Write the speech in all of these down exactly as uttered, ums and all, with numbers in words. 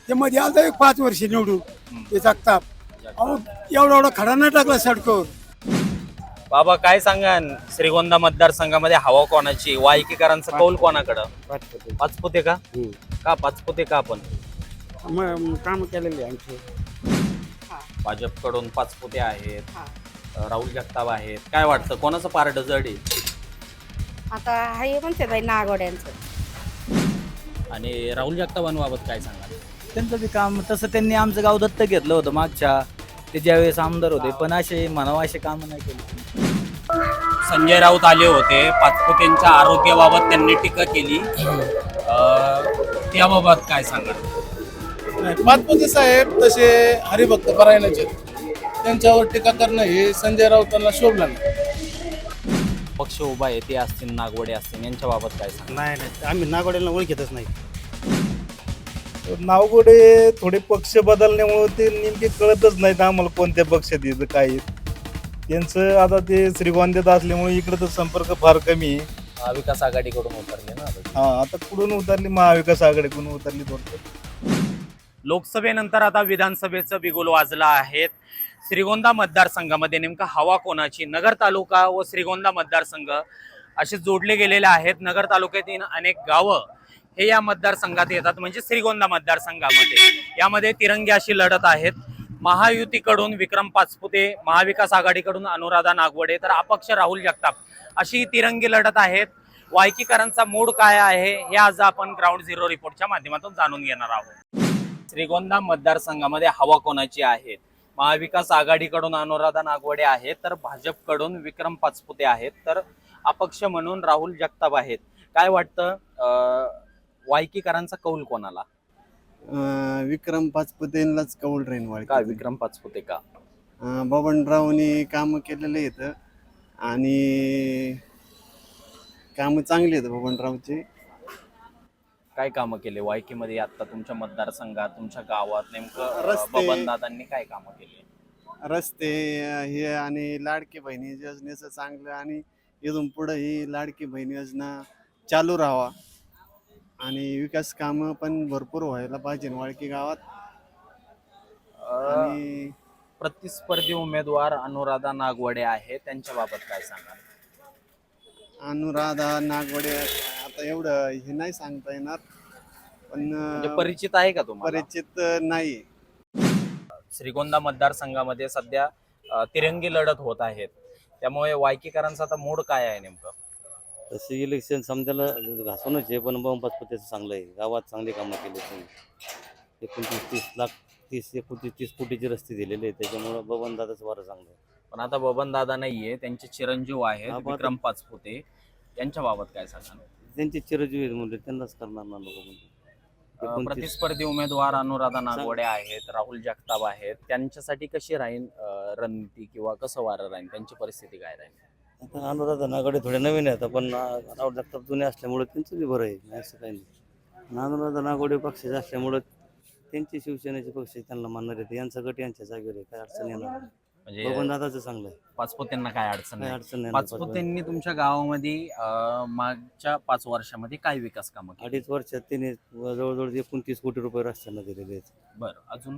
ते मध्ये आलं एक पाच वर्ष निवडून ते जगताप. अहो एवढा एवढा खडा नाही टाकला सडकवर. बाबा काय सांगा श्रीगोंदा मतदारसंघामध्ये हवा कोणाची, वायकीकरांचा कौल कोणाकडं? पाचपुते का? का पाचपुते का आपण? काम केलेले आमचे. भाजपकडून पाचपुते आहेत, राहुल जगताप आहेत. काय वाटतं कोणाचं पारड जड आहे? आता हाय म्हणते बाई नागोड्यांचं. आणि राहुल जगतापांबाबत काय सांगाल? त्यांचं बी काम तसं त्यांनी आमचं गाव दत्तक घेतलं होतं मागच्या, ते ज्यावेळेस आमदार होते, पण असे म्हणावं असे काम नाही केले. संजय राऊत आले होते, पाचपुतेंच्या आरोग्याबाबत त्यांनी टीका केली. अं, त्याबाबत काय सांगाल? पाचपुते साहेब तसे हरिभक्त परायणाचे, त्यांच्यावर टीका करणं हे संजय राऊतांना शोभलं नाही. पक्ष उभा आहे ते असतील, नागवडे असतील, यांच्या बाबत काय सांगाल? नाही नाही आम्ही नागोड्यांना ओळखतच नाही. नावगोडे थोडे पक्ष बदलण्यामुळे ते नेमके कळतच नाहीत आम्हाला कोणत्या पक्षात येतं काय आहे. त्यांचं आता ते श्रीगोंद्यात असल्यामुळे इकडे तर संपर्क फार कमी आहे. महाविकास आघाडीकडून उतरले ना. हा आता कुठून उतरली महाविकास आघाडीकडून उतरली थोडं. लोकसभेनंतर आता विधानसभेचं बिगुल वाजलं आहे. श्रीगोंदा मतदारसंघामध्ये नेमका हवा कोणाची? नगर तालुका व श्रीगोंदा मतदारसंघ असे जोडले गेलेले आहेत. नगर तालुक्यातील अनेक गावं हे या मतदारसंघात येतात, म्हणजे श्रीगोंदा मतदारसंघामध्ये. यामध्ये तिरंगी अशी लढत आहेत. महायुतीकडून विक्रम पाचपुते, महाविकास आघाडीकडून अनुराधा नागवडे, तर अपक्ष राहुल जगताप अशी तिरंगी लढत आहेत. वायकीकरांचा मूड काय आहे हे आज आपण ग्राउंड झिरो रिपोर्टच्या माध्यमातून जाणून घेणार आहोत. श्रीगोंदा मतदारसंघामध्ये हवा कोणाची आहे? महाविकास आघाडीकडून अनुराधा नागवडे आहेत, तर भाजपकडून विक्रम पाचपुते आहेत, तर अपक्ष म्हणून राहुल जगताप आहेत. काय वाटतं वायकीकरांचा कौल कोणाला? विक्रम पाचपुतेंनाच कौल राहीन. वाळ का विक्रम पाचपुते का? बबनरावनी कामं केलेले आहेत आणि कामं चांगली आहेत बबनरावची. काय कामं केले वायकीमध्ये आता तुमच्या मतदारसंघात, तुमच्या गावात? नेमकं रस्ते- बबनदादांनी काय कामं केली? रस्ते हे आणि लाडकी बहिणी योजनेचं चांगलं, आणि इथून पुढं ही लाडकी बहीण योजना चालू राहावा आणि विकास कामं पण भरपूर व्हायला पाहिजे वाळकी गावात. आणि प्रतिस्पर्धी उमेदवार अनुराधा नागवडे आहे, त्यांच्या बाबत काय सांगाल? अनुराधा नागवडे आता एवढं हे नाही सांगता येणार, म्हणजे पण परिचित आहे का तुम्हाला? परिचित नाही. श्रीगोंदा मतदारसंघामध्ये सध्या अ, तिरंगी लढत होत आहेत, त्यामुळे वायकीकरांचा आता मूड काय आहे नेमकं? तसे इलेक्शन समजायला घासूनच आहे, पण बम पाचपुतेचं चांगलं आहे. गावात चांगली कामं केली त्यांनी. एकोणतीस तीस लाख तीस एकोणतीस तीस कोटीचे रस्ते दिलेले आहेत, त्याच्यामुळं बबन दादाचं वारं चांगलं आहे. पण आता बबन दादा नाहीये, त्यांचे चिरंजीव आहेत हा, विक्रम पाचपुते, यांच्या बाबत काय सांगाल? त्यांचे चिरंजीव आहेत म्हणजे त्यांनाच करणार ना लोक म्हणजे. अ, एकोणतीस प्रतिस्पर्धी उमेदवार अनुराधा नागवडे आहेत, राहुल जगताप आहेत, त्यांच्यासाठी कशी राहील अ, रणनीती किंवा कसं वारं राहील, त्यांची परिस्थिती काय राहील? आता अनुराधा नागडे थोडे नवीन आहेत, पण राहुल जगताप जुने असल्यामुळे त्यांचं बी बरं आहे, नाही असं काही नाही. अनुराधा नागवडे पक्षाचे असल्यामुळं त्यांची शिवसेनेचे पक्ष त्यांना मानणार आहेत. यांचा गट यांच्या जागेवर आहे, काय अडचण येणार नाही. म्हणजे बबन दादाचं चांगलं आहे, पाचपुतेंना काय अडचण काही नाही? अडचण नाही. पाचपुतेंनी तुमच्या गावामध्ये अ, मागच्या पाच वर्षामध्ये काय विकास कामं केली? अडीच वर्षात त्यांनी जवळजवळ एकोणतीस कोटी रुपये रस्त्यांना दिलेले आहेत. बरं, अजून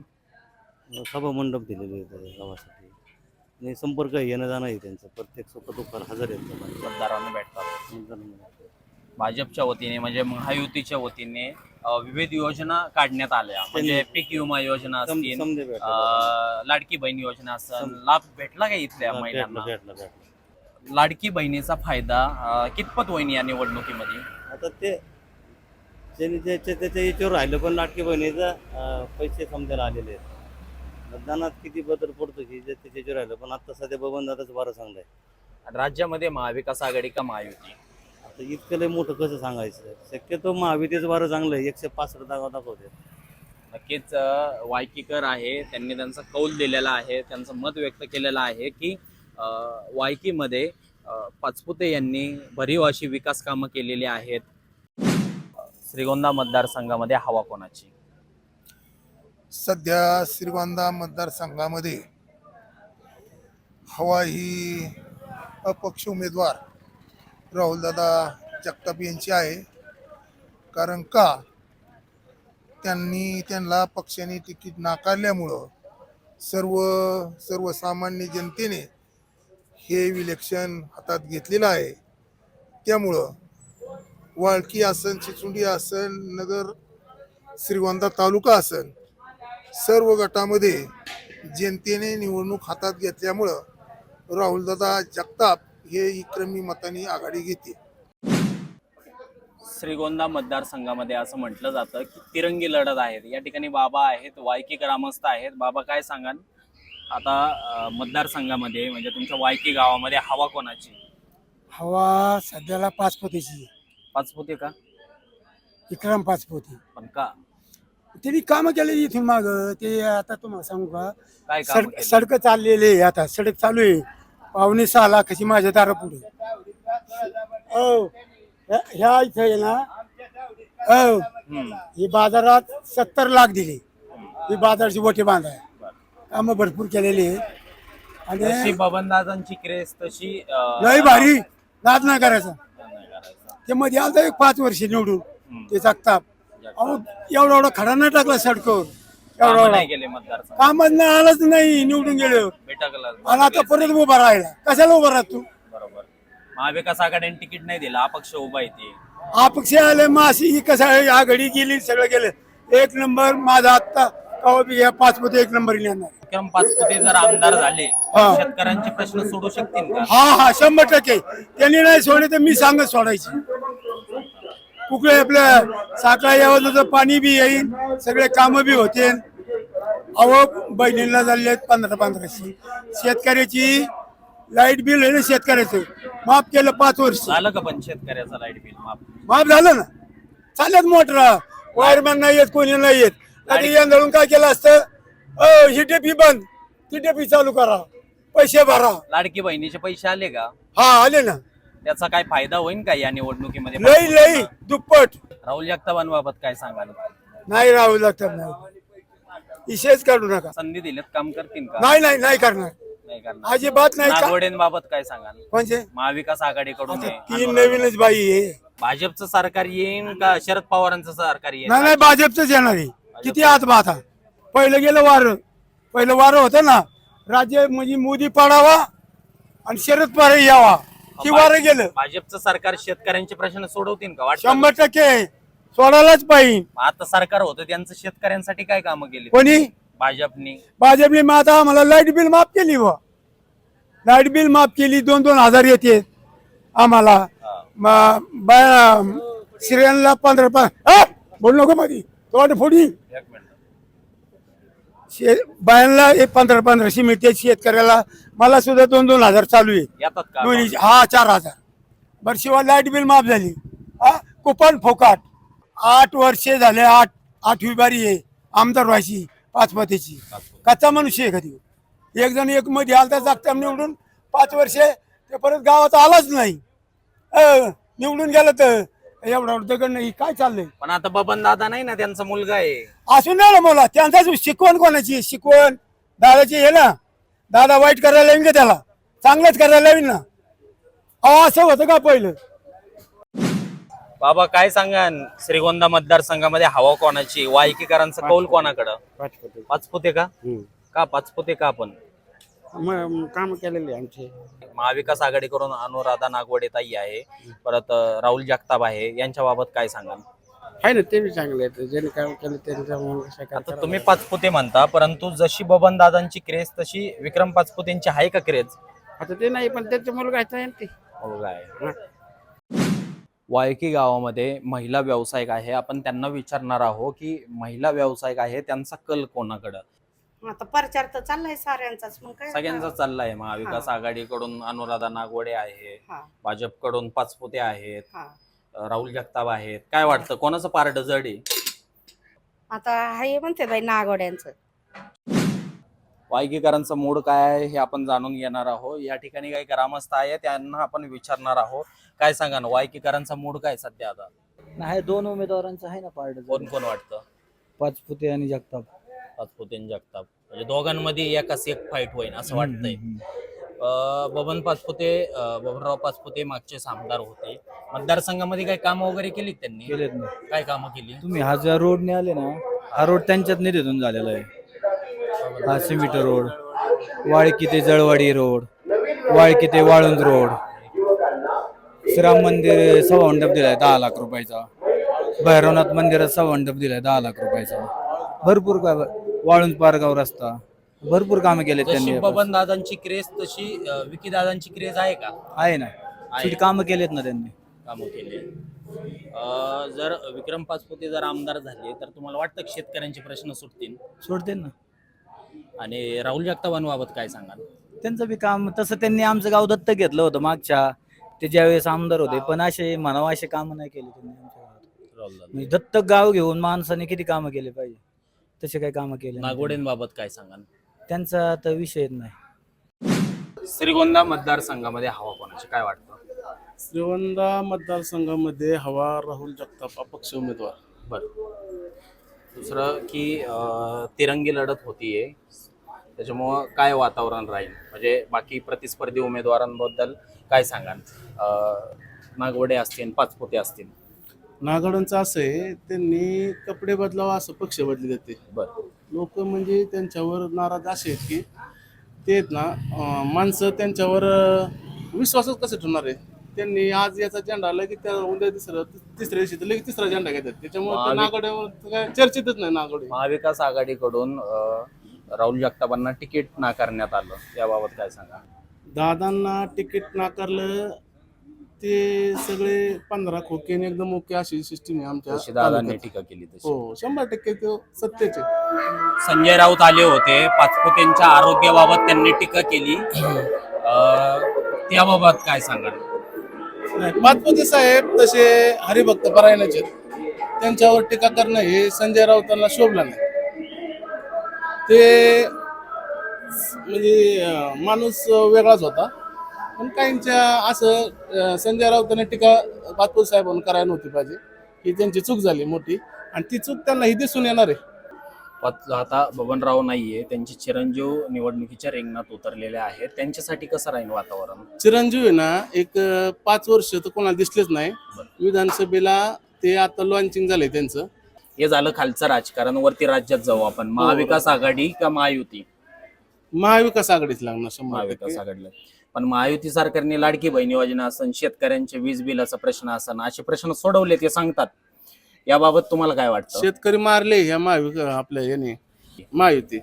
सभा मंडप दिलेले आहेत गावासाठी, आणि संपर्क येणं जाणं आहे त्यांचं. प्रत्येक सुख दुःखाला हजर आहेत ते माणसं. मतदारांना भेटतात. मतदारांना. भाजपच्या वतीने म्हणजे महायुतीच्या वतीने अ, विविध योजना काढण्यात आल्या, म्हणजे पीक विमा योजना सम- असतील, समजे भेटला. अ, लाडकी बहीण योजना असेल, लाभ भेटला का इथल्या भेटला महिलांना? भेटला भेटला. लाडकी बहिणीचा फायदा अ, कितपत होईल या निवडणुकीमध्ये? आता ते ज्यांनी त्याच्या त्याच्या याच्यावर राहिलं, पण लाटकी बहिणीचा अं, पैसे समजायला आलेले आहेत. मतदानात किती बदल पडतो की जे त्याच्या याच्यावर राहिलं, पण आता सध्या बबन दादाचं बरं चांगलं आहे. राज्यामध्ये महाविकास आघाडी का महायुती? आता इतकं लय मोठं कसं सांगायचं? शक्यतो महावितीचं बरं चांगलं आहे, एकशे पासष्ट जागा दाखवते. नक्कीच अ, वायकीकर आहे, त्यांनी त्यांचा कौल दिलेला आहे, त्यांचं मत व्यक्त केलेलं आहे की अ, वायकीमध्ये अ, पाचपुते यांनी भरीव अशी विकास कामं केलेली आहेत. श्रीगोंदा मतदारसंघामध्ये हवा कोणाची? सध्या श्रीगोंदा मतदारसंघामध्ये हवा ही अपक्ष उमेदवार राहुलदादा जगताप यांची आहे. कारण का त्यांनी त्यांना पक्षाने तिकीट नाकारल्यामुळं सर्व सर्वसामान्य जनतेने हे इलेक्शन हातात घेतलेलं आहे. त्यामुळं वाळकी असन, चिचुंडी असन, नगर श्रीगोंदा तालुका असन, सर्व गटामध्ये जनतेने निवडणूक हातात घेतल्यामुळं राहुलदादा जगताप हे विक्रमी मतांनी आघाडी घेते. श्रीगोंदा मतदारसंघामध्ये असं म्हटलं जातं की तिरंगी लढत आहेत. या ठिकाणी बाबा आहेत, वायकी ग्रामस्थ आहेत. बाबा काय सांगाल आता अं, मतदारसंघामध्ये म्हणजे तुमच्या वायकी गावामध्ये हवा कोणाची? हवा सध्याला पाचपोतीची, पाचपुते का? विक्रम पाचपोती. पण का? त्यांनी कामं केलेली इथून माग. ते आता तुम्हाला सांगू का, काय काम सडक सडक चाललेले आहे. आता सडक चालू आहे. पावणे सहा लाखाची माझ्या दारा पुढे. हो ह्या- ह्या इथं आहे ना, हो ही बाजारात सत्तर लाख दिले. ही बाजारची बोटे बांधाय कामं भरपूर केलेली आहे. तशी आणि बबनदादांची क्रेस तशी अं, लय भारी नाद नाही करायचा. नाही करायचं. ते मध्ये आलता एक पाच वर्ष निवडून हम्म. ते जगताप. अहो एवढा एवढा खडा नाही टाकला सडकवर. एवढा कामं एवढा नाही गेले मतदारसंघ कामच नाही, आलंच नाही निवडून गेल्यावर. बेटाकला आणि आता परत उभा राहिला. कशाला उभा राहत तू? बरोबर. महाविकास आघाडीने तिकीट नाही दिलं, अपक्ष उभा येते. अपक्ष आले माशी ही कसं आहे, या घडी गेली सगळं गेलं. एक नंबर माझा आत्ता कवा बी या पाच मध्ये एक नंबर येणार. विक्रम पाचपुते जर आमदार झाले हा. शेतकऱ्यांचे प्रश्न सोडू शकतील का? हा हा शंभर टक्के. त्यांनी नाही सोडले तर मी सांगत सोडायची. कुठे आपल्या साखळा यावं पाणी बी येईल, सगळे कामं बी होते. अहो बहिणीला झाले पंधरा पंधराशे. शेतकऱ्याची लाईट बिल आहे ना, शेतकऱ्याचं माफ केलं पाच वर्ष. झालं का पण शेतकऱ्याचा लाईट बिल माफ? माफ झालं ना. चालत मोटर वायरमॅन नाही येत, कोणी नाही येत. आधी यंदाळून काय केलं असतं, अ ही टेपी बंद, ती टेपी चालू करा, पैसे भरा. लाडकी बहिणीचे पैसे आले का? हा आले ना. त्याचा काय फायदा होईल का या निवडणुकीमध्ये? लई लई दुप्पट. राहुल जगतापांबाबत काय सांगाल? नाही राहू लागतात नाही, विषयच काढू नका. संधी दिलेत काम करतील का? नाही नाही नाही करणार, नाही करणार. अजिबात नाही. का- नागवडेंबाबत काय सांगाल? म्हणजे महाविकास आघाडीकडून आता आहे. तीन नवीनच बाई आहे. भाजपचं सरकार येईन का शरद पवारांचं सरकार येईल? नाही नाही भाजपच येणार आहे. किती आत आता पहिलं गेलं वारं, पहिलं वारं होतं ना, राज्य म्हणजे मोदी पडावा आणि शरद पवार यावा. ती वारं गेलं. भाजपचं सरकार शेतकऱ्यांचे प्रश्न सोडवतील का? वाटतं शंभर टक्के सोडायलाच पाहिजे. आता सरकार होतं त्यांचं शेतकऱ्यांसाठी काय कामं केली कोणी? भाजपनी? भाजपने मग आता आम्हाला लाईट बिल माफ केली. व लाईट बिल माफ केली, दोन दोन हजार येते आम्हाला. म- बा- स्त्रियांना पंधरा पाच बोल नको मध्ये तोंड फोडी. एक मिनिट. शे बायांना एक पंधरा पंधराशे मिळते, शेतकऱ्याला मला सुद्धा दोन दोन हजार चालू आहे. येतात का? दोन्ही हा चार हजार. बरं शिवाय लाईट बिल माफ झाली. हा कुपन फोकाट. आठ वर्षे झाले, आठ आठवी बारी आहे आमदार व्हायची पाचपतीची. कच्चा मनुष्य आहे कधी. एक जण एक मध्ये आलता जागता निवडून पाच वर्षे, ते परत गावात आलाच नाही. अ, निवडून गेलं तर एवढा दगड नाही. काय चाललंय? पण आता बबन दादा नाही ना, त्यांचा मुलगा आहे. असून नाही ना मला त्यांचा शिकवण कोणाची? शिकवण दादाची आहे ना. दादा वाईट करायला येईन का त्याला? चांगलंच करायला येईन ना. अहो असं होतं का पहिलं? बाबा काय सांगा, श्रीगोंदा मतदारसंघामध्ये हवा कोणाची? वायकीकरांचा कौल कोणाकडं? पाचपुते का? का पाचपुते का? पण काम केलेले आमचे. महाविकास आघाडीकडून अनुराधा नागवडे ताई आहे, परत अं, राहुल जगताप आहे, यांच्या बाबत काय सांगाल? आहे ना, ते बी चांगले आहेत. ज्यांनी काम केलं त्यांच्या आता तुम्ही पाचपुते म्हणता, परंतु जशी बबन दादांची क्रेज तशी विक्रम पाचपुतेंची आहे का क्रेज? आता ते नाही, पण त्यांचा मुलगा आहे ते. मुलगा आहे. वायकी गावामध्ये महिला व्यावसायिक आहे. आपण त्यांना विचारणार आहोत की महिला व्यावसायिक आहे त्यांचा कल कोणाकडं? आता प्रचार तर चाललाय साऱ्यांचाच. मग काय सगळ्यांचा चाललाय. महाविकास आघाडीकडून अनुराधा नागवडे आहे, हा भाजपकडून पाचपुते आहेत, हा. राहुल जगताप आहेत. काय वाटतं कोणाचं पारड जड आहे? आता हाय म्हणते बाई नागोड्यांचं. वायकीकरांचा मूड काय आहे हे आपण जाणून घेणार आहोत. या ठिकाणी काही ग्रामस्थ आहे, त्यांना आपण विचारणार आहोत. काय सांगा ना, वायकीकरांचा मूड काय सध्या? आता नाही, दोन उमेदवारांचं आहे ना पार्ट. कोण कोण वाटतं? पाचपुते आणि जगताप. पाचपुते आणि जगताप म्हणजे दोघांमध्ये एकाच एक फाईट होईल असं वाटतंय. अ, बबन पाचपुते अ, बबनराव पाचपुते मागचे आमदार होते. मतदारसंघामध्ये काही कामं वगैरे केलीत त्यांनी? केलेत ना. काय कामं केली? तुम्ही हा ज्या रोडने आले ना, हा रोड त्यांच्याच निधीतून झालेला आहे. हा सिमिट रोड, वाळकी ते जळवाडी रोड, वाळकी ते वाळुंज रोड, श्रीराम मंदिर सव्वा मंडप दिलाय दहा लाख रुपयाचा, भैरवनाथ मंदिरात सव्वा मंडप दिलाय दहा लाख रुपयाचा, भरपूर काय, वाळुंज पारगाव रस्ता, भरपूर कामं केले जशी त्यांनी. बबन दादांची क्रेज तशी अ, विकी दादांची क्रेज आहे का? आहे ना, आहे. शेवटी कामं केलेत ना त्यांनी. कामं केले. अ, जर विक्रम पाचपुते जर आमदार झाले तर तुम्हाला वाटतं की शेतकऱ्यांचे प्रश्न सुटतील? सोडते ना. आणि राहुल जगतापांबाबत काय सांगाल? त्यांचं बी काम तसं त्यांनी आमचं गाव दत्तक घेतलं होतं मागच्या, ते ज्यावेळेस आमदार होते, पण असे म्हणावं असे कामं नाही केले त्यांनी आमच्या गावात. राहुल दादा. म्हणजे दत्तक गाव घेऊन माणसाने किती कामं केले पाहिजे, तसे काही कामं केले नाही. नागोडेंबाबत काय सांगाल? त्यांचा तर विषयच नाही. श्रीगोंदा मतदारसंघामध्ये हवा कोणाची काय वाटतं? श्रीगोंदा मतदारसंघामध्ये हवा राहुल जगताप अपक्ष उमेदवार. बरं. दुसरं की अ, तिरंगी लढत होतीये, त्याच्यामुळं काय वातावरण राहील, म्हणजे बाकी प्रतिस्पर्धी उमेदवारांबद्दल काय सांगाल? अ, नागवडे असतील, पाचपुते असतील. नागोड्यांचं असं आहे, त्यांनी कपडे बदलावा असं पक्ष बदली जाते. बरं. लोक म्हणजे त्यांच्यावर नाराज असे आहेत की ते आहेत ना, अं, माणसं त्यांच्यावर अं, विश्वासच कसं ठेवणार आहे. त्यांनी आज याचा झेंडा आला की त्या उद्या तिसरं तिसऱ्या दिवशी तर लगेच तिसरा झेंडा घेतात. त्याच्यामुळे ते महावि- नागोड्यावर काय चर्चेतच नाही नागोडे. महाविकास आघाडीकडून अ, राहुल जगतापांना तिकीट नाकारण्यात आलं, त्याबाबत काय सांगा? दादांना तिकीट नाकारलं ते सगळे पंधरा खोकेने एकदम ओके अशी सिस्टीम आहे आमच्या जशी दादांनी तालुक्यात. टीका केली तशी. हो, शंभर टक्के ते सत्तेचे. संजय राऊत आले होते, पाचपुतेंच्या आरोग्याबाबत त्यांनी टीका केली, अ, त्याबाबत काय सांगाल? नाही, पाचपुते साहेब तसे हरिभक्त परायणाचे आहेत. त्यांच्यावर टीका करणं हे संजय राऊतांना शोभलं नाही. ते म्हणजे अं, माणूस वेगळाच होता, पण काहींच्या असं अं, संजय राऊतांनी टीका पाचपुते साहेबांना करायला नव्हती पाहिजे. ही त्यांची चूक झाली मोठी, आणि ती चूक त्यांना ही दिसून येणार आहे. पाच- आता बबनराव नाहीये, त्यांचे चिरंजीव निवडणुकीच्या रिंगणात उतरलेले आहेत, त्यांच्यासाठी कसं राहील वातावरण? चिरंजीव आहे ना, एक अं, पाच वर्ष तर कोणाला दिसलेच नाही विधानसभेला. ते आता लॉन्चिंग झालंय त्यांचं. हे झालं खालचं राजकारण. वरती राज्यात जाऊ आपण. महाविकास आघाडी का महायुती? महाविकास आघाडीच लागणार शंभर महाविकास टक्के. आघाडीला. पण महायुती सरकारने लाडकी बहीण योजना असन, शेतकऱ्यांचे वीज बिलाचा प्रश्न असन, असे प्रश्न सोडवले ते सांगतात. याबाबत तुम्हाला काय वाटतं? शेतकरी मारले ह्या महाविकास आपल्या याने महायुती.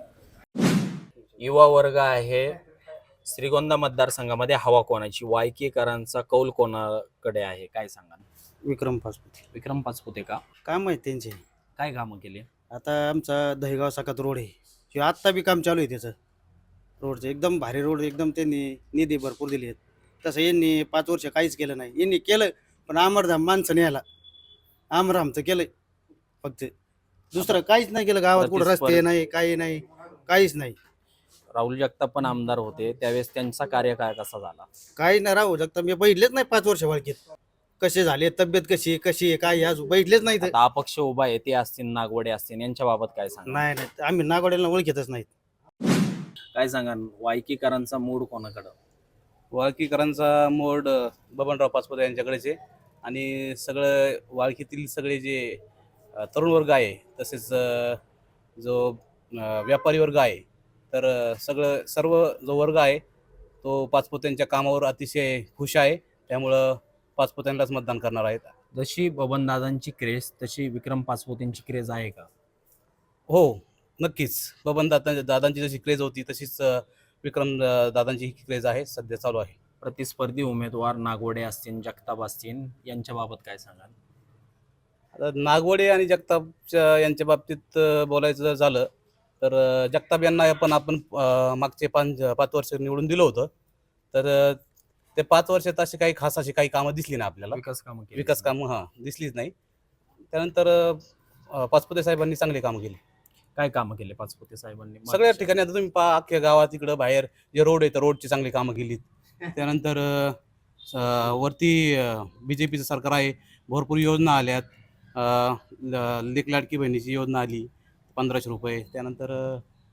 युवा वर्ग आहे. श्रीगोंदा मतदारसंघामध्ये हवा कोणाची? वायकेकरांचा कौल कोणाकडे आहे, काय सांगा? विक्रम पाचपुते. विक्रम पाचपुते का? काय माहिती त्यांचे. काय कामं केली? आता आमचा दहेगाव साकात रोड आहे, हे आत्ता बी काम चालू आहे त्याचं रोडचं. एकदम भारी रोड, एकदम त्यांनी निधी भरपूर दिली आहेत. तसं यांनी पाच वर्ष काहीच केलं नाही. यांनी केलं पण आमरधाम माणसं न्यायला आमरामचं केलंय फक्त, दुसरं काहीच नाही केलं. गावात कुठं रस्ते नाही, काही नाही, काहीच नाही. राहुल जगताप पण आमदार होते त्यावेळेस, त्यांचा कार्यकाळ कसा झाला? काही नाही राहू शकता. मी बघितलेच नाही पाच वर्ष वळखीत कसे झाले, तब्येत कशी आहे, कशी आहे, काय आज बघितलेच नाही. तर आता अपक्ष उभा आहे, ते असतील, नागवडे असतील, यांच्या बाबत काय सांगा? नाही नाही, आम्ही नागोड्याला ओळखीतच नाहीत. काय सांगा? वायकीकरांचा मूड कोणाकडं? वाळकीकरांचा मोड बबनराव पाचपुते यांच्याकडेच आहे. आणि सगळं वाळकीतील सगळे जे अ, तरुण वर्ग आहे, तसेच अ, जो अ, व्यापारी वर्ग आहे, तर अ, सगळं सर्व जो वर्ग आहे तो पाचपुत्यांच्या कामावर अतिशय खुश आहे. त्यामुळं पाचपुत्यांनाच मतदान करणार आहेत. जशी बबनदादांची क्रेज तशी विक्रम पाचपुतेंची क्रेज आहे का? हो, नक्कीच. बबन दादा दादांची जशी क्रेज होती तशीच अ, विक्रम अ, दादांची ही क्रेज आहे, सध्या चालू आहे. प्रतिस्पर्धी उमेदवार नागवडे असतील, जगताप असतील, यांच्या बाबत काय सांगाल? आता नागवडे आणि जगतापच्या यांच्या बाबतीत अ, बोलायचं झालं तर अ, जगताप यांना पण आपण अ, मागचे पाच पाच वर्ष निवडून दिलं होतं. तर अ, ते पाच वर्षात अशी काही खास अशी काही कामं दिसली नाही आपल्याला. विकास कामं केली? विकास कामं हां दिसलीच नाही. त्यानंतर अ, पाचपुते साहेबांनी चांगली कामं केली. काय कामं केले पाचपुते साहेबांनी? सगळ्या ठिकाणी आता तुम्ही पहा, अख्ख्या गावात इकडं बाहेर जे रोड आहे तर रोडची चांगली कामं केलीत. त्यानंतर अ, स- वरती बी जे पीचं सरकार आहे, भरपूर योजना आल्यात. अ, ल- लेक लाडकी बहिणीची योजना आली पंधराशे रुपये. त्यानंतर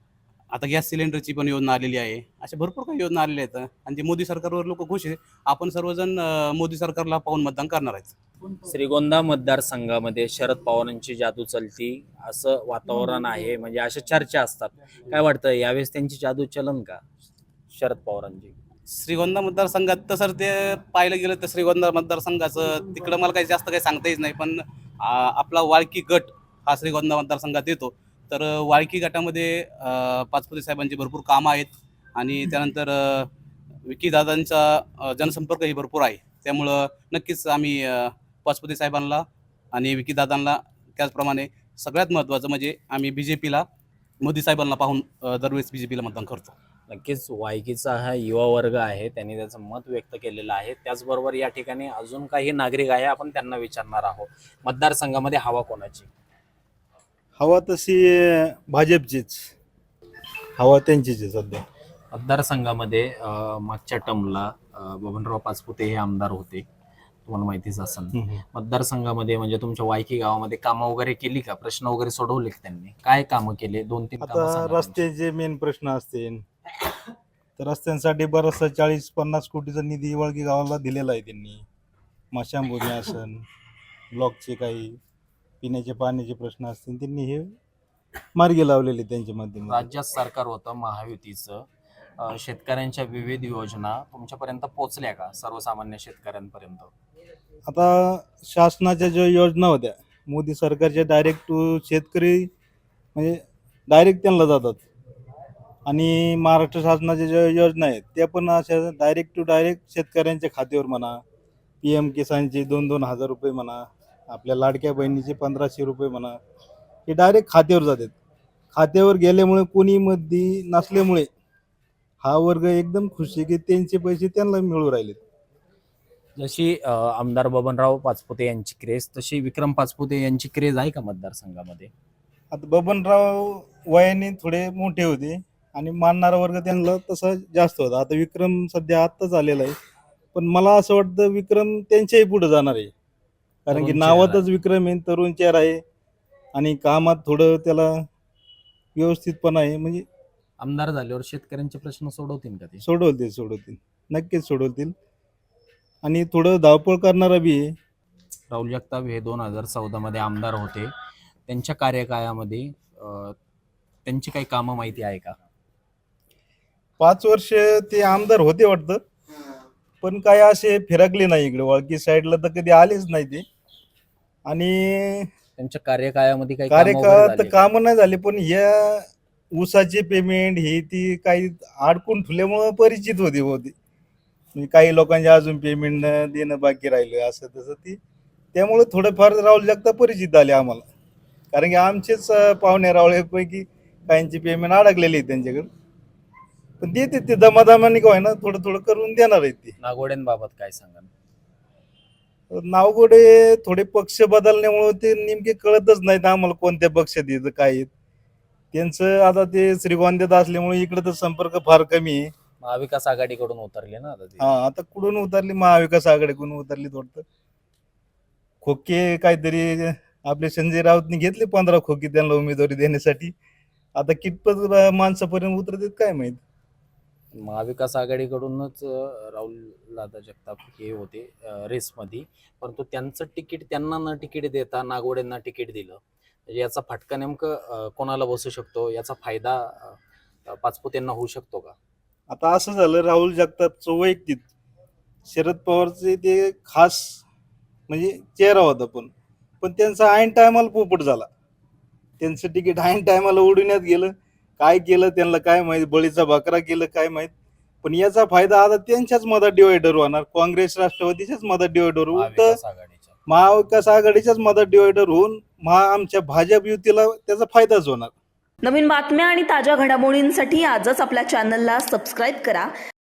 आता गॅस सिलेंडरची पण योजना आलेली आहे. अशा भरपूर काही योजना आलेल्या आहेत आणि ते मोदी सरकारवर लोक खुश आहे. आपण सर्वजण अं, मोदी सरकारला पाहून मतदान करणार आहेत. श्रीगोंदा मतदारसंघामध्ये शरद पवारांची जादू चलती असं वातावरण आहे, म्हणजे अशा चर्चा असतात. काय वाटतं यावेळेस त्यांची जादू चलन का शरद पवारांची? श्रीगोंदा मतदारसंघात तर सर ते पाहिलं गेलं तर श्रीगोंदा मतदारसंघाचं तिकडं मला काही जास्त काही सांगता येत नाही, पण आ, आपला वाळकी गट हा श्रीगोंदा मतदारसंघात येतो. तर अ, वाळकी गटामध्ये अ, पाचपुते साहेबांची भरपूर कामं आहेत आणि त्यानंतर अ, विकीदादांचा अ, जनसंपर्कही भरपूर आहे. त्यामुळं नक्कीच आम्ही अ, पाचपुते साहेबांना आणि विकीदादांना, त्याचप्रमाणे सगळ्यात महत्त्वाचं म्हणजे आम्ही बी जे पीला, मोदी साहेबांना पाहून अ, दरवेळेस बी जे पीला मतदान करतो. नक्कीच वायकीचा हा युवा वर्ग आहे, त्यांनी त्याचं मत व्यक्त केलेलं आहे. त्याचबरोबर या ठिकाणी अजून काही नागरिक आहे, आपण त्यांना विचारणार आहोत. मतदारसंघामध्ये हवा कोणाची? हवा तशी भाजपचीच, हवा त्यांचीच आहे सध्या. मतदारसंघामध्ये अं, मागच्या टर्मला बबनराव पाचपुते हे आमदार होते, तुम्हाला माहितीच असेल. मतदारसंघामध्ये म्हणजे तुमच्या वायकी गावामध्ये कामं वगैरे केली का? प्रश्न वगैरे सोडवले का त्यांनी? काय कामं केले? दोन तीन कामं आता सांगा त्यांची. रस्त्याचे मेन प्रश्न असतील तर रस्त्यांसाठी बराचसा चाळीस पन्नास कोटीचा निधी वळगी गावाला दिलेला आहे त्यांनी. मशांभूमी असन, ब्लॉकचे काही पिण्याचे पाण्याचे प्रश्न असतील, त्यांनी हे मार्गी लावलेले त्यांच्या माध्यमातून. राज्यात सरकार होतं महायुतीचं, अं, शेतकऱ्यांच्या विविध योजना तुमच्यापर्यंत पोहोचल्या का सर्वसामान्य शेतकऱ्यांपर्यंत? आता शासनाच्या ज्या योजना होत्या मोदी सरकारच्या, डायरेक्ट टू शेतकरी म्हणजे डायरेक्ट त्यांना जातात, आणि महाराष्ट्र शासनाच्या ज्या योजना आहेत त्या पण अशा डायरेक्ट टू डायरेक्ट शेतकऱ्यांच्या खात्यावर म्हणा. पी एम किसानचे दोन दोन हजार रुपये म्हणा, आपल्या लाडक्या बहिणीचे पंधराशे रुपये म्हणा, हे डायरेक्ट खात्यावर जातात. खात्यावर गेल्यामुळे कोणी मध्ये नसल्यामुळे हा वर्ग एकदम खुश आहे की त्यांचे पैसे त्यांना मिळू राहिलेत. जशी अं, आमदार बबनराव पाचपुते यांची क्रेज, तशी विक्रम पाचपुते यांची क्रेज आहे का मतदारसंघामध्ये? आता बबनराव वयाने थोडे मोठे होते आणि मानणारा वर्ग त्यांना तसा जास्त होता. आता विक्रम सध्या आत्ताच आलेला आहे, पण मला असं वाटतं विक्रम त्यांच्याही पुढे जाणार आहे, कारण की तरुण नावातच चेहरा विक्रम आहे, तरुण चेहरा आहे आणि कामात थोडं त्याला व्यवस्थितपणा आहे. म्हणजे आमदार झाल्यावर शेतकऱ्यांचे प्रश्न सोडवतील का ते? सोडवतील सोडवतील नक्कीच सोडवतील, आणि थोडं धावपळ करणारा बी आहे. राहुल जगताप हे दोन हजार चौदा मध्ये आमदार होते, त्यांच्या कार्यकाळामध्ये अं, त्यांची काही कामं माहिती आहे का? पाच वर्ष ते आमदार होते वाटतं, पण काय असे फिरकले नाही इकडे वाळकी साईडला, तर कधी आलेच नाही ते. आणि त्यांच्या कार्यकाळामध्ये काही कामं वगैरे कार्यकाळात झाली का? कामं नाही झाले, पण या ऊसाचे पेमेंट हे ती काही अडकून ठेवल्यामुळं परिचित होती होती म्हणजे काही लोकांचे अजून पेमेंट देणं बाकी राहिलं असं तसं ती, त्यामुळे थोडंफार राहुल जगताप परिचित आले आम्हाला, कारण की आमचेच अं, पाहुणे रावळेपैकी काहींची पेमेंट अडकलेली आहे त्यांच्याकडे, पण देते ते दमादमाने काय ना थोडं थोडं करून देणार आहेत ते. नागोड्यांबाबत काय सांगाल? नावगोडे थोडे पक्ष बदलण्यामुळे ते नेमके कळतच नाहीत आम्हाला कोणत्या पक्षात येतं काय आहेत त्यांचं. आता ते श्रीगोंद्यात असल्यामुळे इकडे तर संपर्क फार कमी आहे. महाविकास आघाडीकडून उतरले ना आता ते. हा, आता कुठून उतरली? महाविकास आघाडीकडून उतरली वाटतं. खोके काहीतरी आपले संजय राऊतनी घेतले पंधरा खोके त्यांना उमेदवारी देण्यासाठी, आता कितपत माणसापर्यंत उतरतात काय माहित. महाविकास आघाडीकडूनच अं, राहुल दादा जगताप हे होते अं, रेसमध्ये, परंतु त्यांचं तिकीट त्यांना न तिकीट देता नागोड्यांना तिकीट दिलं, म्हणजे याचा फटका नेमकं अं, कोणाला बसू शकतो? याचा फायदा अं, पाचपुतेंना होऊ शकतो का? आता असं झालं, राहुल जगतापचं वैयक्तिक शरद पवारचे ते खास म्हणजे चेहरा होता, पण पण त्यांचा ऐन टायमाला पोपट झाला. त्यांचं तिकीट ऐन टायमाला उडवण्यात गेलं. काय केलं त्यांना काय माहित, बळीचा बकरा केलं काय माहित. पण याचा फायदा आता त्यांच्याच मधात डिवायडर होणार, काँग्रेस राष्ट्रवादीच्याच मधात डिवायडर होऊन, तर महाविकास आघाडीच्या महाविकास आघाडीच्याच मधात डिवायडर होऊन महा आमच्या भाजप युतीला त्याचा फायदाच होणार. नवीन बातम्या आणि ताज्या घडामोडींसाठी आजच आपल्या चॅनलला सबस्क्राईब करा